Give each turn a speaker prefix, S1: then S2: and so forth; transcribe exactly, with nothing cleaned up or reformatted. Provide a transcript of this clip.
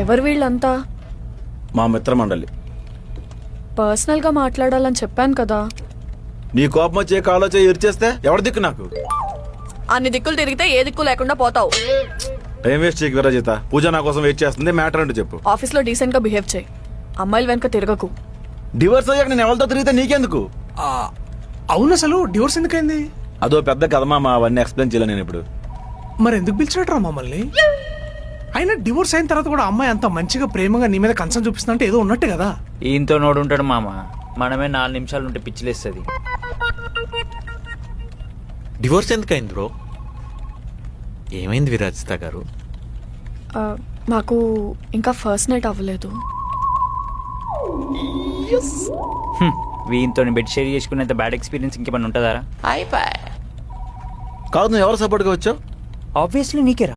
S1: ఎవరు వీళ్ళంతా?
S2: మా మిత్రమండలి.
S1: పర్సనల్గా మాట్లాడాలని చెప్పాను కదా.
S2: నీ కోపం వచ్చే కాలో చేయి ఇరిచేస్తే ఎవరి దిక్కు నాకు?
S1: అన్ని దిక్కులు తిరిగితే ఏ దిక్కు లేకుండా పోతావు.
S2: టైం వేస్ట్ చేయకు విరాజిత. పూజ నా కోసం వెయిట్ చేస్తుంది. మ్యాటర్ అంటూ చెప్పు.
S1: ఆఫీస్లో డీసెంట్గా బిహేవ్ చేయి. అమ్మాయిల వెనక తిరగకు.
S2: డివోర్స్ అయ్యాక నేను ఎవరితో తిరిగితే నీకెందుకు?
S3: అవును, అసలు డివోర్స్ ఎందుకైంది?
S2: అదో పెద్ద కథ మామ, అవన్నీ ఎక్స్ప్లెయిన్ చేయలేను నేను ఇప్పుడు.
S3: మరి ఎందుకు పిలిచినట్రా మమ్మల్ని? అయినా డివోర్స్ అయిన తర్వాత కూడా అమ్మాయి అంత మంచిగా ప్రేమగా నీ మీద కన్సర్న్ చూపిస్తుందంటే ఏదో ఉన్నట్టే కదా.
S4: ఈయంతో నోడు ఉంటాడు మామ, మనమే నాలుగు నిమిషాలు ఉంటే పిచ్చిలేస్తుంది.
S5: Divorce ఎందుకైంది bro? ఏమైంది విరాజిత గారు?
S1: ఆ, మాకు ఇంకా ఫస్ట్ నైట్ అవ్వలేదు.
S4: వీయంతో బెడ్ షేర్ చేసుకునేంత బ్యాడ్ ఎక్స్పీరియన్స్ ఇంకేమన్నా ఉంటుందా?
S2: కాదు, నువ్వు ఎవరు సపోర్ట్గా వచ్చావు?
S4: ఆబ్వియస్లీ నీకేరా.